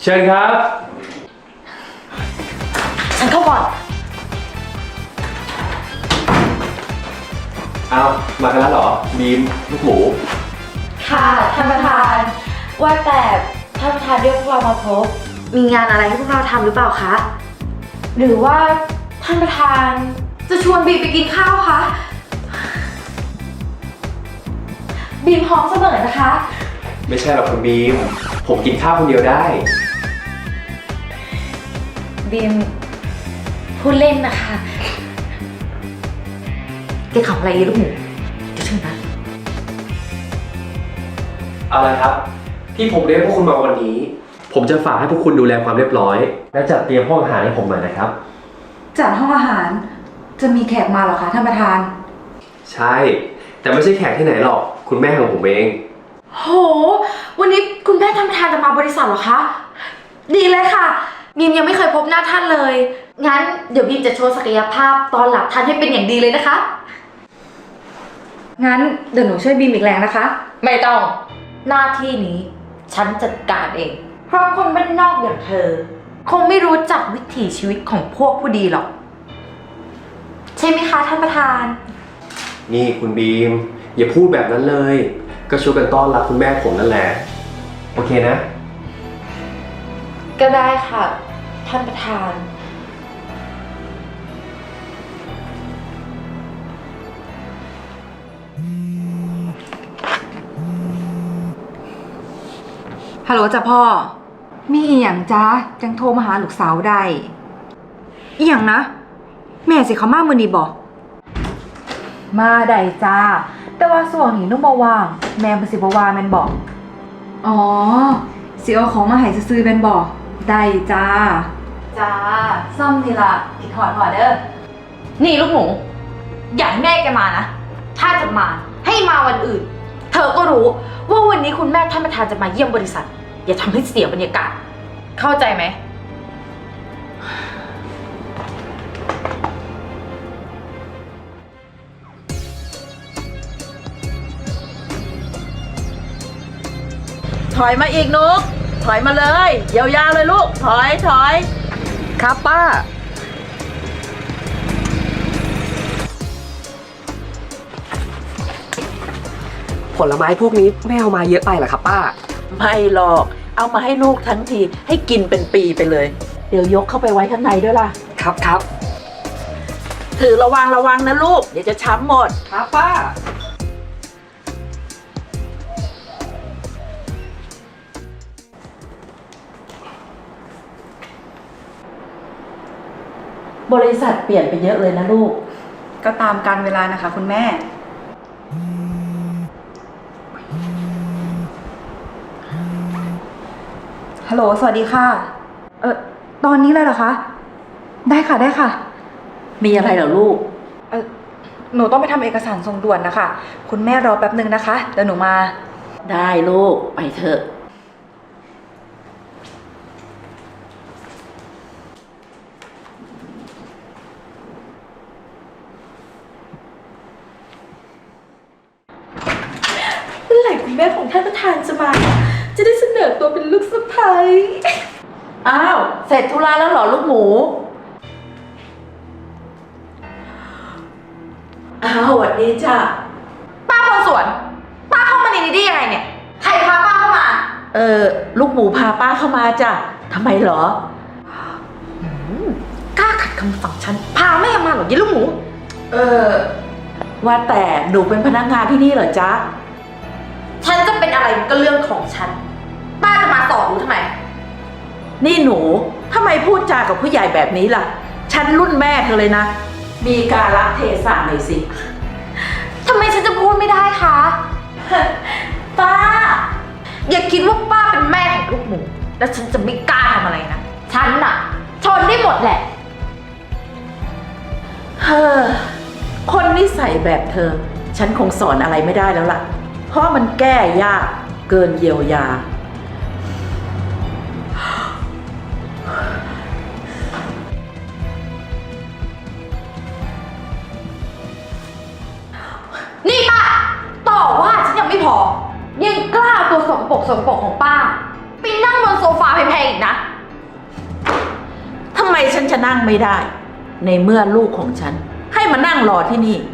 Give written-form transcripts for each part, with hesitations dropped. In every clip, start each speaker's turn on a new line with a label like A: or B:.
A: เชิญครับ
B: ฉันเข้าก่อน
A: เอามากันแล้วเหรอบีมลูกหมู
B: ค่ะท่านประธานว่าแต่ท่านประธานเรียกพวกเรามาพบมีงานอะไรให้พวกเราทำหรือเปล่าคะหรือว่าท่านประธานจะชวนบีมไปกินข้าวคะบีมพร้อมเสมอนะคะ
A: ไม่ใช่หรอกคุณบีมผมกินข้าวคนเดียวได้
B: บีมพูดเล่นนะคะแกขำอะไรลูกหมูเดี๋ยวเชิญนะ
A: เอาละครับที่ผมเรียกพวกคุณมาวันนี้ผมจะฝากให้พวกคุณดูแลความเรียบร้อยและจัดเตรียมห้องอาหารให้ผมหน่อยนะครับ
C: จัดห้องอาหารจะมีแขกมาเหรอคะท่านประธาน
A: ใช่แต่ไม่ใช่แขกที่ไหนหรอกคุณแม่ของผมเอง
B: โหวันนี้คุณแม่ท่านประธานจะมาบริษัทเหรอคะดีเลยค่ะบีมยังไม่เคยพบหน้าท่านเลยงั้นเดี๋ยวบีมจะโชว์ศักยภาพตอนหลับท่านให้เป็นอย่างดีเลยนะคะ
C: งั้นเดี๋ยวหนูช่วยบีมอีกแรงนะคะ
B: ไม่ต้องหน้าที่นี้ฉันจัดการเองเพราะคนบ้านนอกอย่างเธอคงไม่รู้จักวิถีชีวิตของพวกผู้ดีหรอกใช่ไหมคะท่านประธาน
A: นี่คุณบีมอย่าพูดแบบนั้นเลยก็ช่วยกันต้อนรับคุณแม่ผมนั่นแหละโอเคนะ
B: ก็ได้ค่ะท่านประธาน
C: ฮัลโหลจ้ะพ่อมีอีหยังจ้าจังโทรมาหาลูกสาวได้อีหยังนะแม่สิเขามามื้อนี้บ่มาได้จ้าแต่ว่าส่วนนี้นุ่มบ่ว่างแม่บ่สิบ่ว่าแม่นบ่อ๋อสิเอาของมาให้ซื้อๆแม่นบ่ได้จ้าซ่อมนี่ล่ะคิดฮอดเด้อ
B: นี่ลูกหมูอย่าให้แม่แกมานะถ้าจะมาให้มาวันอื่นเธอก็รู้ว่าวันนี้คุณแม่ท่านประธานจะมาเยี่ยมบริษัทอย่าทำให้เสียบรรยากาศเข้าใจไหม
D: ถอยมาอีกนุ๊กถอยมาเลยยาวๆเลยลูกถอยครับป้า
E: ผลไม้พวกนี้ไม่เอามาเยอะไปเหรอครับป้า
D: ไม่หรอกเอามาให้ลูกทั้งทีให้กินเป็นปีไปเลยเดี๋ยวยกเข้าไปไว้ข้างในด้วยล่ะ
E: ครับ
D: ถือระวังนะลูกเดี๋ยวจะช้ำหมด
E: ครับป้า
D: บริษัทเปลี่ยนไปเยอะเลยนะลูก
C: ก็ตามกาลเวลานะคะคุณแม่ฮัลโหลสวัสดีค่ะตอนนี้เลยเหรอคะได้ค่ะ
D: มีอะไรเหรอลูก
C: หนูต้องไปทำเอกสารส่งด่วนนะคะคุณแม่รอแป๊บนึงนะคะเดี๋ยวหนูมา
D: ได้ลูกไปเถอะ
B: เมื่อไหร่คุณแม่ของท่านประธานจะมาจะได้เสนอตัวเป็นลูกสะใภ้
D: อ้าวเสร็จธุระแล้วเหรอลูกหมูอ้าวสวัสดีจ้ะ
B: ป้าคนสวนป้าเข้ามาในนี้ได้ยังไงเนี่ยใครพาป้าเข้ามา
D: ลูกหมูพาป้าเข้ามาจ้ะทำไมเหร
B: กล้าขัดคำสั่งฉันพาแม่มาเหรอยี่ลูกหมู
D: ว่าแต่หนูเป็นพนักงานที่นี่เหรอจ๊ะ
B: ฉันจะเป็นอะไรก็เรื่องของฉันป้าจะมาสอนหนูทำไม
D: นี่หนูทำไมพูดจากับผู้ใหญ่แบบนี้ล่ะฉันรุ่นแม่เธอเลยนะมีกาลเทศะหน่อยสิ
B: ทำไมฉันจะพูดไม่ได้คะป้าอย่าคิดว่าป้าเป็นแม่ของลูกหมูแล้วฉันจะไม่กล้าทำอะไรนะฉันน่ะทนได้หมดแหละ
D: คนนิสัยแบบเธอฉันคงสอนอะไรไม่ได้แล้วล่ะเพราะมันแก้ยากเกินเยียวยา
B: นี่ป้าต่อว่าฉันยังไม่พอยังกล้าตัวสกปรกของป้าไปนั่งบนโซฟาแพงงอีกนะ
D: ทำไมฉันจะนั่งไม่ได้ ในเมื่อลูกของฉัน ให้มานั่งรอที่นี่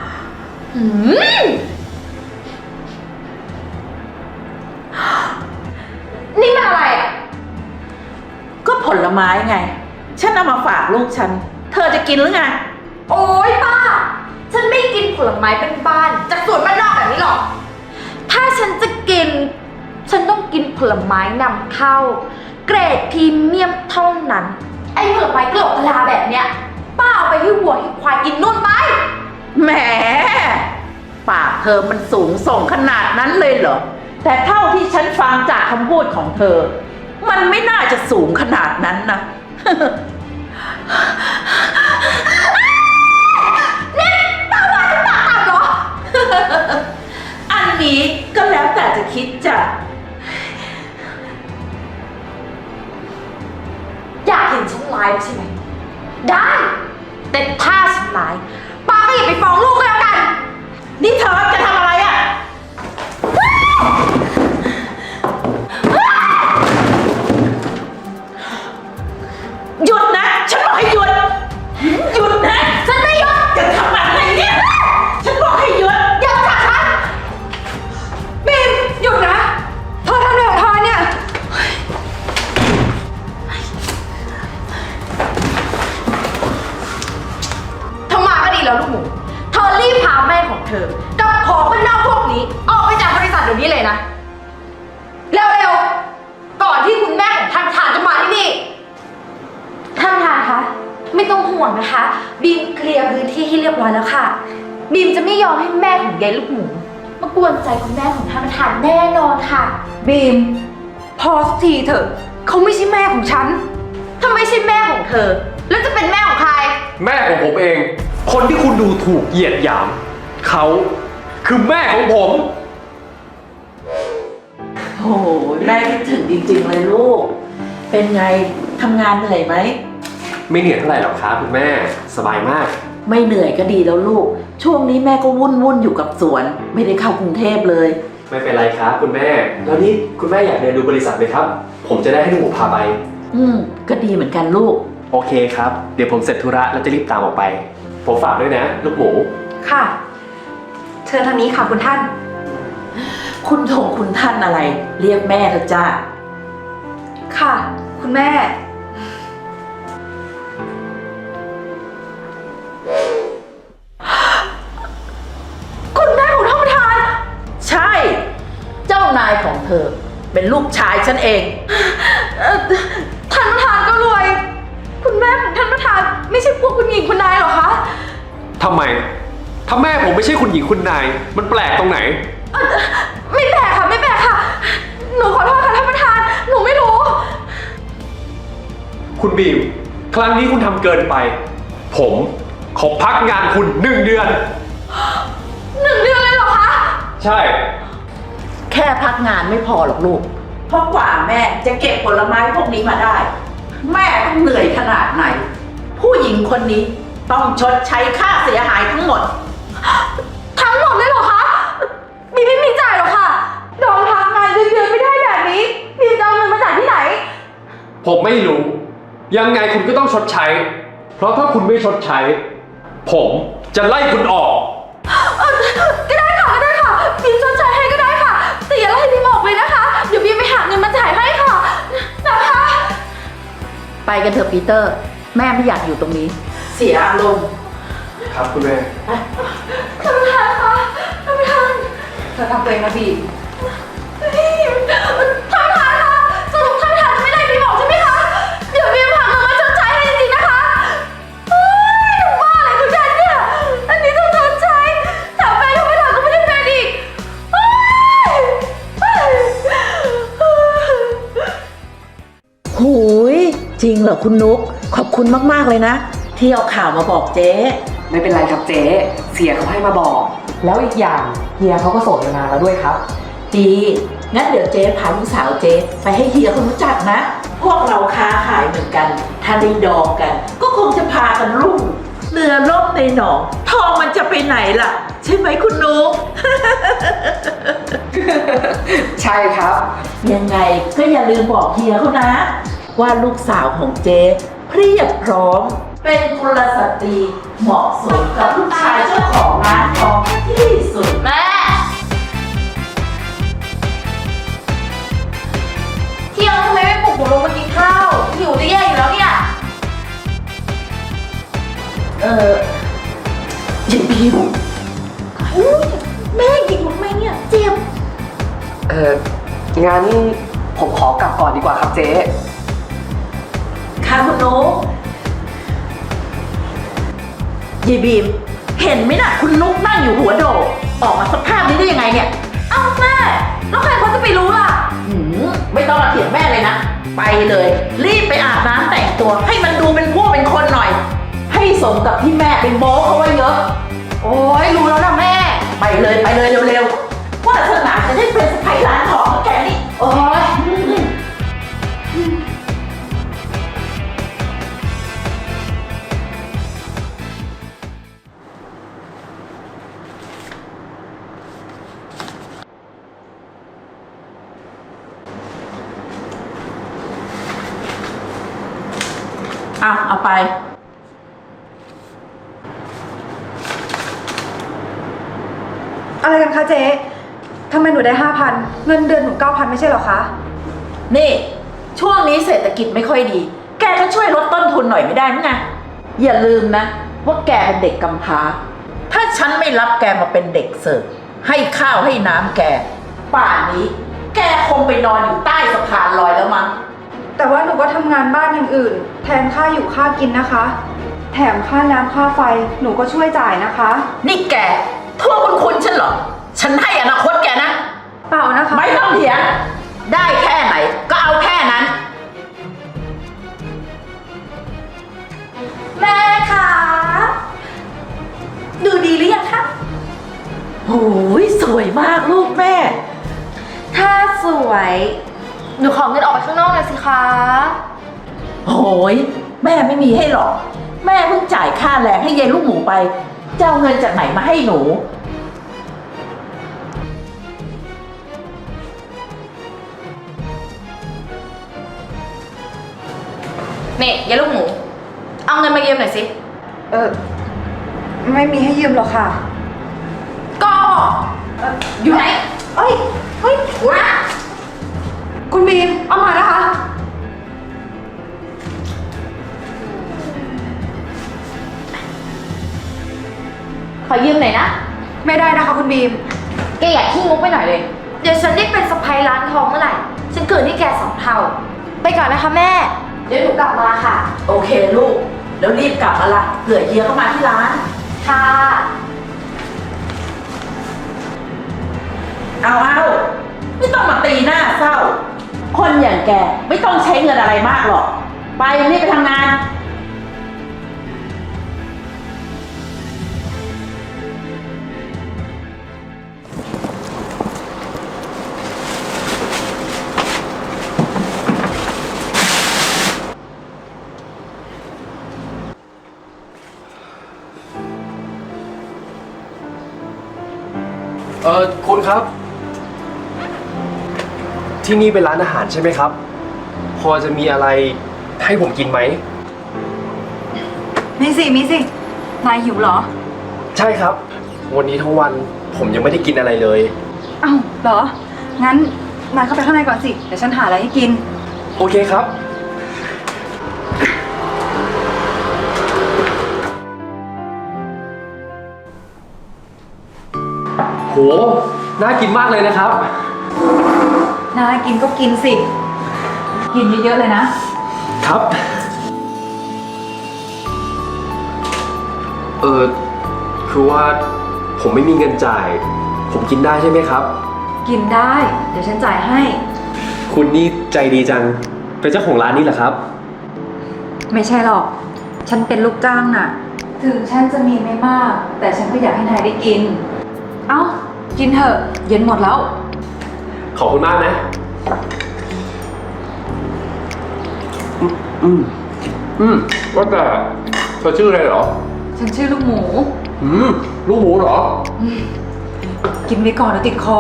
B: นี่มันอะไรอ่ะ
D: ก็ผลไม้ไง ฉันเอามาฝากลูกฉัน เธอจะกินหรือไง
B: โอ๊ยป้า ฉันไม่กินผลไม้เป็นบ้านจากสวนบ้านนอกแบบนี้หรอก ถ้าฉันจะกิน ฉันต้องกินผลไม้นำเข้า เกรดพรีเมียมเท่านั้น ไอ้ผลไม้กระโหลกกะลาแบบเนี้ย ป้าเอาไปให้วัวให้ควายกินนู่นไป
D: แหม ปากเธอมันสูงส่งขนาดนั้นเลยเหรอ แต่เท่าที่ฉันฟังจากคำพูดของเธอ มันไม่น่าจะสูงขนาดนั้นนะ
B: นี่ป้าว่าฉันปากต่ำเหรอ
D: อันนี้ก็แล้วแต่จะคิดจ้ะ
B: อยากเห็นฉันไลฟ์ใช่ไหม ได้ แต่ถ้าฉันไลฟ์ป้าก็อย่าไปฟ้องลูกก็แล้วกัน
D: นี่เธอจะทำอะไรอ่ะ หยุดนะ ฉันบอกให้หยุด หยุดนะ
B: ฉันไม่หยุด
D: จะทำอะไรเนี่ย ฉันบอกให้หยุด
B: อย่าจับฉัน
C: บีมหยุดนะเธอทำอะไรของเธอเนี่ย
B: เธอมาก็ดีแล้วลูกหมู เธอรีบพาแม่ของเธอ กับของบ้านนอกพวกนี้ ออกไปจากบริษัทเดี๋ยวนี้เลยนะ เร็วๆ ก่อนที่คุณแม่ของท่านประธานจะมาที่นี่ ท่านประธานคะ ไม่ต้องห่วงนะคะ บีมเคลียร์พื้นที่ให้เรียบร้อยแล้วค่ะ บีมจะไม่ยอมให้แม่ของยายลูกหมูมากวนใจคุณแม่ของท่านประธานแน่นอนค่ะ
C: บีม พอสักทีเถอะเขาไม่ใช่แม่ของฉัน
B: ถ้าไม่ใช่แม่ของเธอ แล้วจะเป็นแม่ของใคร
A: แม่ของผมเอง คนที่คุณดูถูกเหยียดหยาม เขาคือแม่ของผม
D: โอ้โหแม่คิดถึงจริงๆเลยลูก เป็นไงทำงานเหนื่อยไหม
A: ไม่เหนื่อยเท่าไหร่หรอกครับคุณแม่สบายมาก
D: ไม่เหนื่อยก็ดีแล้วลูก ช่วงนี้แม่ก็วุ่นอยู่กับสวน ไม่ได้เข้ากรุงเทพเลย
A: ไม่เป็นไรครับคุณแม่ แล้วนี่คุณแม่อยากเดินดูบริษัทไหมครับ ผมจะได้ให้ลูกหมูพาไป
D: ก็ดีเหมือนกันลูก
A: โอเคครับ เดี๋ยวผมเสร็จธุระแล้วจะรีบตามออกไป ผมฝากด้วยนะ ลูกหมู
C: ค่ะ เชิญทางนี้ค่ะคุณท่าน
D: คุณท่านอะไร เรียกแม่เถอะจ้า
C: ค่ะ คุณแม่
B: คุณแม่ของท่านประธาน
D: ใช่ เจ้านายของเธอ เป็นลูกชายฉันเอง
B: ท่านประธานก็รวย คุณแม่ของท่านประธานไม่ใช่พวกคุณหญิงคุณนายหรอคะ
A: ทำไม ถ้าแม่ผมไม่ใช่คุณหญิงคุณนาย มันแปลกตรงไหน
B: ไม่แปลกค่ะไม่แปลกค่ะ หนูขอโทษค่ะท่านประธาน หนูไม่รู้
A: คุณบีม ครั้งนี้คุณทำเกินไป ผมขอพักงานคุณ1 เดือน
B: 1 เดือนเลยเหรอคะ
A: ใช่
D: แค่พักงานไม่พอหรอกลูก เพราะกว่าแม่จะเก็บผลไม้พวกนี้มาได้ แม่ต้องเหนื่อยขนาดไหน ผู้หญิงคนนี้ต้องชดใช้ค่าเสียหายทั้งหมด
B: ทั้งหมดเลยเหรอคะบีมไม่มีจ่ายหรอกค่ะโดนพักงานเดือนไม่ได้แบบนี้บีมจะเอาเงินมาจ่ายที่ไหน
A: ผมไม่รู้ ยังไงคุณก็ต้องชดใช้ เพราะถ้าคุณไม่ชดใช้ ผมจะไล่คุณออก
B: ก็ได้ค่ะก็ได้ค่ะบีมชดใช้ให้ก็ได้ค่ะแต่อย่าไล่บีมออกเลยนะคะ เดี๋ยวบีมไปหาเงินมาจ่ายให้ค่ะนะคะ
D: ไปกันเถอะปีเตอร์ แม่ไม่อยากอยู่ตรงนี้ เสียอารมณ์
A: ครับคุณแม่
B: ท่านประธานคะท่านประธาน
C: เธอทำตัวเองนะบีม
B: ท่านประธานคะสรุปท่านประธานจะไม่ไล่บีมออกใช่ไหมคะ เดี๋ยวบีมหาเงินมาชดใช้ให้จริงๆนะคะเฮ้ยบ้าอะไรของฉันเนี่ย อันนี้ต้องชดใช้แถมแฟนท่านประธานก็ไม่ได้แฟนอีกเฮ้ย
D: หูยจริงเหรอคุณนุ๊กขอบคุณมากๆเลยนะ ที่เอาข่าวมาบอกเจ๊
E: ไม่เป็นไรครับเจ๊เสียเขาให้มาบอก แล้วอีกอย่างเฮียเขาก็โสดมานานแล้วด้วยครับ
D: ดีงั้นเดี๋ยวเจ๊พาลูกสาวเจ๊ไปให้เฮียเขารู้จักนะ พวกเราค้าขายเหมือนกัน ถ้าได้ดองกัน ก็คงจะพากันรุ่งเรือล่มในหนอง ทองมันจะไปไหนล่ะใช่ไหมคุณนุ๊ก
E: ใช่ครับ
D: ยังไงก็อย่าลืมบอกเฮียเขานะ ว่าลูกสาวของเจ๊เพียบพร้อม เป็นกุลสตรีเหมาะสมกับลูกชายเจ้าของร้านทองที่สุด
B: แม่ เที่ยงทำไมไม่ปลุกหนูลงมากินข้าว หิวจะแย่อยู่แล้วเนี่ย
D: ยินพิวแม่หยิงทำไมเนี่ยเจ็บ
E: งั้นผมขอกลับก่อนดีกว่าครับเจ๊
D: ค่ะคุณนุ๊กยีบีม เห็นไหมน่ะ คุณนุ๊กนั่งอยู่หัวโดดออกมาสภาพนี้ได้ยังไงเนี่ย
B: เอ้าแม่ แล้วใครเขาจะไปรู้ล่ะ
D: ไม่ต้องมาเถียงแม่เลยนะ ไปเลย รีบไปอาบน้ำแต่งตัว ให้มันดูเป็นผู้เป็นคนหน่อย ให้สมกับที่แม่เป็นโม้เขาไว้เยอะ
B: โอ้ยรู้แล้วนะแม่
D: ไปเลยเร็วๆว่าเธอหนาจะได้เป็นสะใภ้ร้านทองของแกนี่
B: โอ้ย
D: เอาไป
C: อะไรกันคะเจ๊ทำไมหนูได้ 5,000 เงินเดือนหนู 9,000 ไม่ใช่เหรอคะ
D: นี่ ช่วงนี้เศรษฐกิจไม่ค่อยดี แกก็ช่วยลดต้นทุนหน่อยไม่ได้มั้งไงอย่าลืมนะ ว่าแกเป็นเด็กกำพร้า ถ้าฉันไม่รับแกมาเป็นเด็กเสิร์ฟให้ข้าวให้น้ำแก ป่านนี้ แกคงไปนอนอยู่ใต้สะพานลอยแล้วมั้ง
C: แต่ว่าหนูก็ทำงานบ้านอย่างอื่น แทนค่าอยู่ค่ากินนะคะ แถมค่าน้ำค่าไฟหนูก็ช่วยจ่ายนะคะ
D: นี่แกโทษคุณฉันเหรอ ฉันให้อนาคตแกนะ
C: เปล่านะคะ
D: ไม่ต้องเถียง ได้แค่ไหนก็เอาแค่นั้น
B: แม่คะดูดีหรือยังคะ
D: โอ้ยสวยมากลูกแม่
B: ถ้าสวย หนูขอเงินออกไปข้างนอกหน่อยสิคะ
D: โอ้ยแม่ไม่มีให้หรอก แม่เพิ่งจ่ายค่าแรงให้ยายลูกหมูไปจะเอาเงินจากไหนมาให้หนู
B: นี่ยายลูกหมู เอาเงินมายืมหน่อยสิ
C: ไม่มีให้ยืมหรอกค่ะ
B: ก็อยู่ไหน
C: เฮ้ย
B: มา
C: คุณบีม เอามานะคะ
B: ขอยืมหน่อยนะ
C: ไม่ได้นะคะคุณบีม
B: แกอยากขี้งกไปหน่อยเลย เดี๋ยวฉันได้เป็นสะใภ้ร้านทองเมื่อไหร่ ฉันเกิดให้แก2 เท่า ไปก่อนนะคะแม่ เดี๋ยวหนูกลับมาค่ะ
D: โอเคลูก แล้วรีบกลับมาละเผื่อเฮียเข้ามาที่ร้าน
B: ค่ะ
D: เอาไม่ต้องมาตีหน้าเศร้า คนอย่างแกไม่ต้องใช้เงินอะไรมากหรอก ไปรีบไปทำงาน
A: คุณครับ ที่นี่เป็นร้านอาหารใช่ไหมครับ พอจะมีอะไรให้ผมกินไหม
C: มีสิ นายหิวเหรอ
A: ใช่ครับ วันนี้ทั้งวันผมยังไม่ได้กินอะไรเลย
C: อ้าวเหรอ งั้นนายเข้าไปข้างในก่อนสิ เดี๋ยวฉันหาอะไรให้กิน
A: โอเคครับ โห น่ากินมากเลยนะครับ
C: น่ากินก็กินสิ กินเยอะๆเลยนะ
A: ครับ คือว่าผมไม่มีเงินจ่าย ผมกินได้ใช่ไหมครับ
C: กินได้ เดี๋ยวฉันจ่ายให้
A: คุณนี่ใจดีจัง เป็นเจ้าของร้านนี้เหรอครับ
C: ไม่ใช่หรอก ฉันเป็นลูกจ้างน่ะ ถึงฉันจะมีไม่มาก แต่ฉันก็อยากให้นายได้กิน เอ้า กินเถอะ เย็นหมดแล้ว
A: ขอบคุณมากนะ
F: ว่าแต่เธอชื่ออะไรเหรอ
C: ฉันชื่อลูกหมู
A: ลูกหมูเหรอ
C: กินไปก่อนเดี๋ยวติดคอ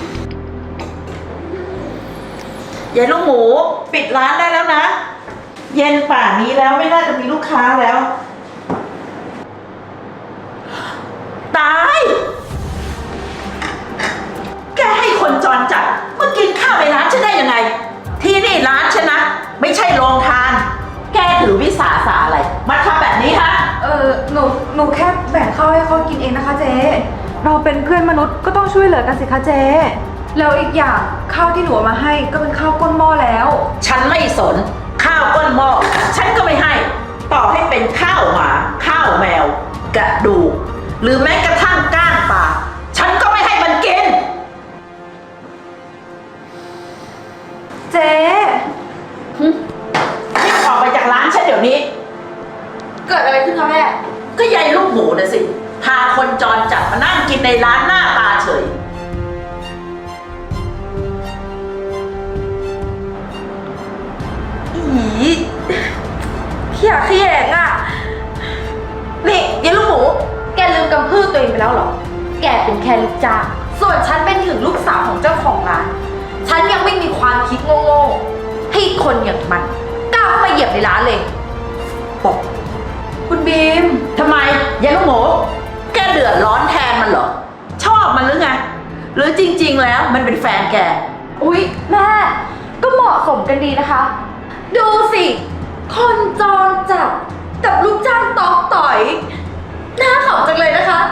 D: ยายลูกหมูปิดร้านได้แล้วนะ เย็นป่านนี้แล้วไม่น่าจะมีลูกค้าแล้ว ตาย แกให้คนจรจัดมากินข้าวในร้านฉันได้ยังไง ที่นี่ร้านฉันนะ ไม่ใช่โรงทาน แกถือวิสาสะอะไรมาทำแบบนี้ฮะ
C: หนูแค่แบ่งข้าวให้เขากินเองนะคะเจ๊ เราเป็นเพื่อนมนุษย์ก็ต้องช่วยเหลือกันสิคะเจ๊ แล้วอีกอย่างข้าวที่หนูเอามาให้ก็เป็นข้าวก้นหม้อแล้ว
D: ฉันไม่สนข้าวก้นหม้อฉันก็ไม่ให้ ต่อให้เป็นข้าวหมาข้าวแมว กระดูกหรือแม้กระทั่งก้างปลาฉันก็ไม่ให้มันกิน
C: เจ๊
D: รีบออกไปจากร้านฉันเดี๋ยวนี้
B: เกิดอะไรขึ้นคะแม่
D: ก็ยายลูกหมูนะสิ พาคนจรจัดมานั่งกินในร้านหน้าตาเฉย
B: อีเขี้ยเขี้ยงอ่ะ นี่ยายลูกหมู แกลืมกำพืชตัวเองไปแล้วเหรอ แกเป็นแค่ลูกจ้างส่วนฉันเป็นถึงลูกสาวของเจ้าของร้าน ฉันยังไม่มีความคิดโง่ๆให้คนอย่างมันกล้าเข้ามาเหยียบในร้านเลยบอก
C: คุณบีม
D: ทำไมยายลูกหมู แกเดือดร้อนแทนมันเหรอ ชอบมันหรือไง หรือจริงๆแล้วมันเป็นแฟนแก
B: อุ๊ยแม่ก็เหมาะสมกันดีนะคะ ดูสิ คนจรจัดกับลูกจ้างตอกต่อยน่าขำจังเลยนะคะ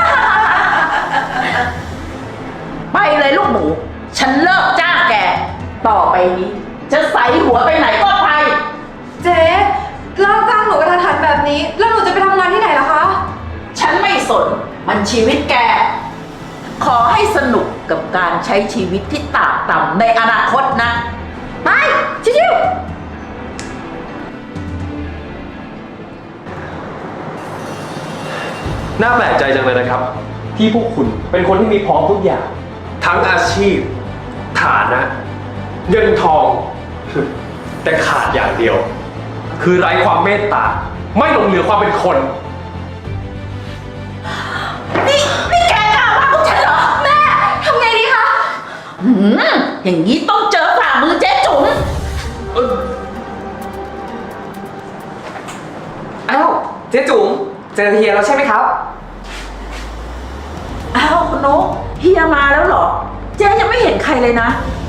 D: ไปเลยลูกหมู ฉันเลิกจ้างแก ต่อไปนี้ จะใส่หัวไปไหนก็ไป
C: เจ๊เลิกจ้างหนูกระทันหันแบบนี้ แล้วหนูจะไปทำงานที่ไหนล่ะคะ
D: ฉันไม่สน มันชีวิตแก ขอให้สนุกกับการใช้ชีวิตที่ตากต่ำในอนาคตนะ
B: ไปชิวๆ
A: น่าแปลกใจจังเลยนะครับ ที่พวกคุณเป็นคนที่มีพร้อมทุกอย่าง ทั้งอาชีพ ฐานะ เงินทอง แต่ขาดอย่างเดียว คือไร้ความเมตตา ไม่หลงเหลือความเป็นคน
D: นี่แกกล้าว่าพวกฉันเหรอ
B: แม่ทำไงดีคะ
D: อย่างนี้ต้องเจอฝ่ามือเจ๊จุ๋ม
E: อ้าว เจ๊จุ๋มเจอเฮียแล้วใช่ไหมครับ
D: อ้าวคุณนุ๊กเฮียมาแล้วเหรอ เจ๊ยังไม่เห็นใครเลยนะ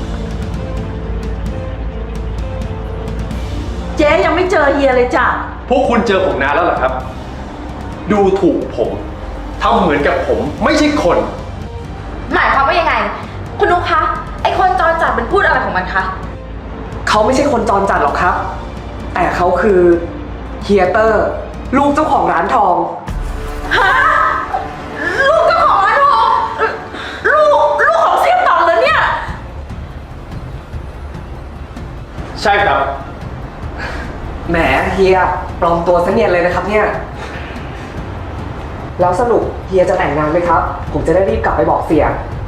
D: เจ๊ยังไม่เจอเฮียเลยจ้ะ
A: พวกคุณเจอผมนานแล้วเหรอครับ ดูถูกผมทำเหมือนกับผมไม่ใช่คน
B: หมายความว่ายังไง คุณนุ๊กคะ ไอคนจรจัดมันพูดอะไรของมันคะ
E: เขาไม่ใช่คนจรจัดหรอกครับ แต่เขาคือเฮียเตอร์ ลูกเจ้าของร้านทอง
D: ฮะ ลูกเจ้าของร้านทองลูกของเสี่ยงตองเหรอเนี่ย
A: ใช่ครับ
E: แหมเฮียปลอมตัวซะเนียนเลยนะครับเนี่ย แล้วสรุปเฮียจะแต่งงานไหมครับ ผมจะได้รีบกลับไปบอกเสีย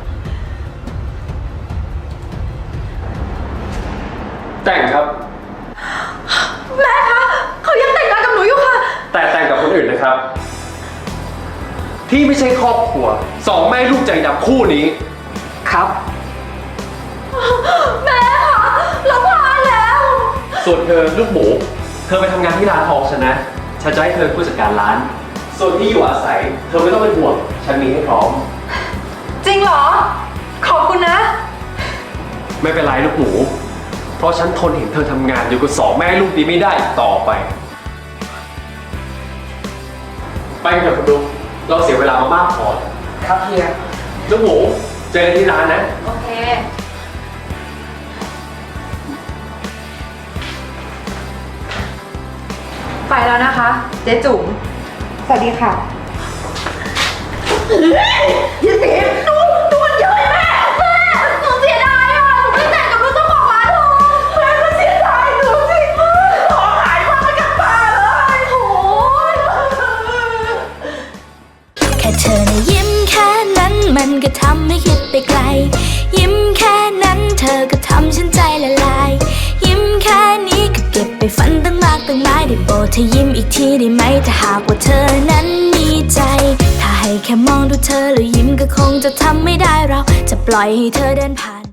A: แต่งครับ
B: แม่คะ เขายังแต่งงานกับหนูอยู่ค่ะ
A: แต่แต่งกับคนอื่นนะครับ ที่ไม่ใช่ครอบครัวสองแม่ลูกใจดำคู่นี้
E: ครับ
B: แม่คะเราพลาดแล้ว
A: ส่วนเธอลูกหมู เธอไปทำงานที่ร้านทองฉันนะ ฉันจะให้เธอผู้จัดการร้าน ส่วนที่อยู่อาศัย เธอไม่ต้องเป็นห่วง ฉันมีให้พร้อม
C: จริงเหรอ ขอบคุณนะ
A: ไม่เป็นไรลูกหมู เพราะฉันทนเห็นเธอทำงานอยู่กับสองแม่ลูกนี้ไม่ได้อีกต่อไป ไปกันเถอะคุณลุงเราเสียเวลามามากพอ
E: ครับเฮีย
A: ลูกหมู เจอกันที่ร้านนะ
B: โอเค
C: ไปแล้วนะคะ เจ๊จุ๋ม สวัสดีค่ะ
D: ยินดีดูมันเยอะแม่
B: หนูเสียดายอ่ะ หนูไม่แต่งกับลูกเจ้าของร้านทอง
D: แม่ก็เสียดายดูสิของหายมาไม่กลับบ้านเลยโอ้ย
F: แค่เธอนะยิ้มแค่นั้นมันก็ทำให้คิดไปไกล ยิ้มแค่นั้นเธอก็ทำฉันใจละลาย ยิ้มแค่นี้ก็เก็บไปฝันตั้งมากตั้งหลายได้โปรดเธอยิ้มอีกทีได้ไหมถ้าหากว่าเธอนั้นมีใจ ถ้าให้แค่มองดูเธอแล้วยิ้มก็คงจะทำไม่ได้เราจะปล่อยให้เธอเดินผ่าน